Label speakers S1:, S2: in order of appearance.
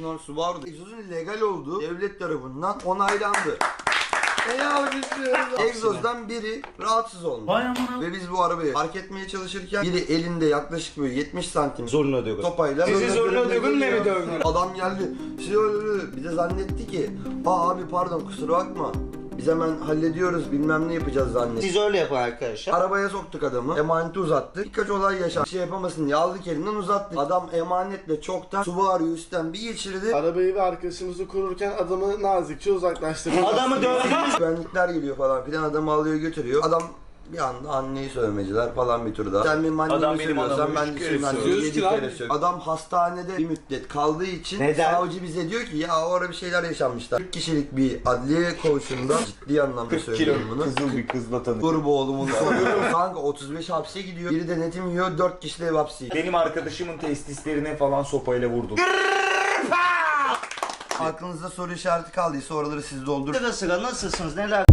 S1: Bunlar Subaru'da egzozun legal olduğu devlet tarafından onaylandı. Egzozdan biri rahatsız olmuş.
S2: Vay amına.
S1: Ve biz bu arabayı park etmeye çalışırken biri elinde yaklaşık böyle 70 santim
S3: Zoruna diyor.
S1: topayla.
S3: Sizi zoruna dövün ne mi dövdün?
S1: Adam geldi. Bir de zannetti ki abi pardon kusura bakma. Biz hemen hallediyoruz bilmem ne yapacağız zannetti.
S3: Siz öyle yapın arkadaşlar.
S1: Arabaya soktuk adamı. Emaneti uzattık. Birkaç olay yaşandı. Bir şey yapamasın diye aldık elinden uzattık. Adam emanetle çoktan Subaru'yu üstten bir geçirdi.
S4: Arabayı ve arkadaşımızı korurken adamı nazikçe uzaklaştırdık.
S3: Adamı dövdünüz.
S1: Güvenlikler geliyor falan filan adamı alıyor götürüyor. Adam bir anda anneyi sövmeciler falan bir tur daha. Sen benim annemi
S2: Adam benim
S1: sövüyorsan
S2: adamı
S1: ben
S2: üç
S1: de
S2: kere
S1: senin anneni
S4: sövüyoruz
S1: 7
S4: ki
S1: kere
S4: abi.
S1: sövüyorum. Adam hastanede bir müddet kaldığı için
S3: Neden?
S1: savcı bize diyor ki ya orada bir şeyler yaşanmışlar. 40 kişilik bir adliye koğuşunda ciddi anlamda söylüyorum bunu.
S3: Kızıl bir kızla tanıştım.
S1: Kurbu oğlumun soruyorum. Kanka 35 hapse gidiyor. Biri de netim yiyor 4 kişi de ev hapsi.
S2: Benim arkadaşımın testislerine falan sopayla vurdum.
S1: Aklınızda soru işareti kaldıysa oraları siz doldurun.
S3: Sıra sıra nasılsınız neler